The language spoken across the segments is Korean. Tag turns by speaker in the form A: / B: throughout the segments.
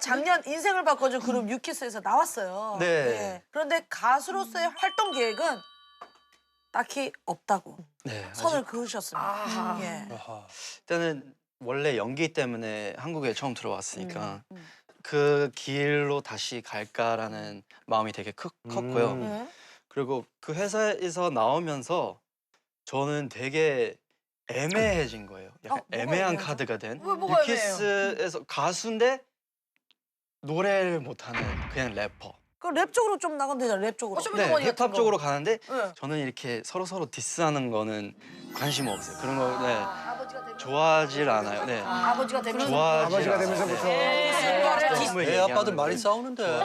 A: 작년 인생을 바꿔준 그룹 유키스에서 나왔어요.
B: 네.
A: 예. 그런데 가수로서의 활동 계획은 딱히 없다고
B: 네.
A: 선을 그으셨습니다. 예.
B: 일단은 원래 연기 때문에 한국에 처음 들어왔으니까 그 길로 다시 갈까라는 마음이 되게 컸고요.
A: 예.
B: 그리고 그 회사에서 나오면서 저는 되게 애매해진 거예요. 약간
A: 뭐가
B: 애매한
A: 애매하죠?
B: 카드가 된.
A: 뭐가
B: 유키스에서 가수인데 노래를 못하는 그냥 래퍼.
A: 그 랩 쪽으로 좀 나가면 되잖아. 랩 쪽으로.
B: 네, 힙합 쪽으로 가는데
A: 네.
B: 저는 이렇게 서로 디스하는 거는 관심 없어요. 그런 거 좋아하질 않아요. 네.
A: 아버지가 되면
B: 좋아하질
C: 아버지가
B: 않아요.
C: 되면서부터.
B: 애
D: 아빠들 많이 싸우는데.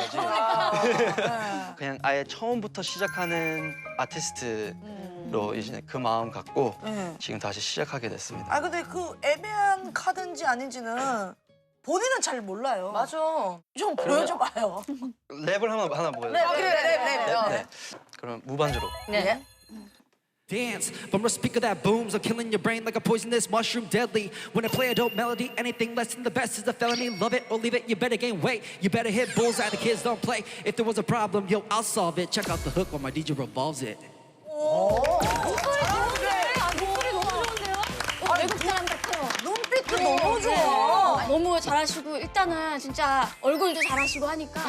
B: 그냥 아예 처음부터 시작하는 아티스트로 이제 그 마음 갖고 지금 다시 시작하게 됐습니다.
A: 아 근데 그 애매한 카드인지 아닌지는 본인은 잘 몰라요.
E: 맞아.
A: 좀 보여줘봐요.
B: 랩을 하나 보여요.
A: 네.
B: 그럼 무반주로.
E: 네.
F: Dance from a speaker that booms. I'm killing your brain like a poisonous mushroom, deadly. When I play a dope melody, anything less than the best is a felony. Love it or leave it, you better gain weight. You better hit bullseye, the kids don't play. If there was a problem, yo, I'll solve it. Check out the hook while my DJ revolves it.
E: 목소리 너무 좋은데요? 외국 사람 같아요.
A: 눈빛도 너무 좋아.
E: 너무 잘하시고 일단은 진짜 얼굴도 잘하시고 하니까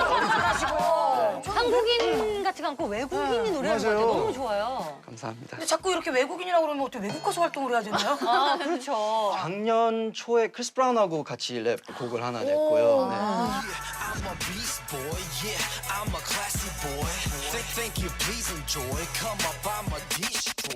G: 한국인 같지가 않고 외국인이 노래하는 것 같아요. 너무 좋아요.
B: 감사합니다.
A: 근데 자꾸 이렇게 외국인이라고 그러면 어떻게 외국 가수 활동을 해야 되나요?
G: 아, 그렇죠.
B: 작년 초에 크리스 브라운하고 같이 랩 곡을 하나 냈고요. 네.
H: I'm a beast boy, yeah, I'm a classy boy. Think you please enjoy. Come up, I'm a dish boy.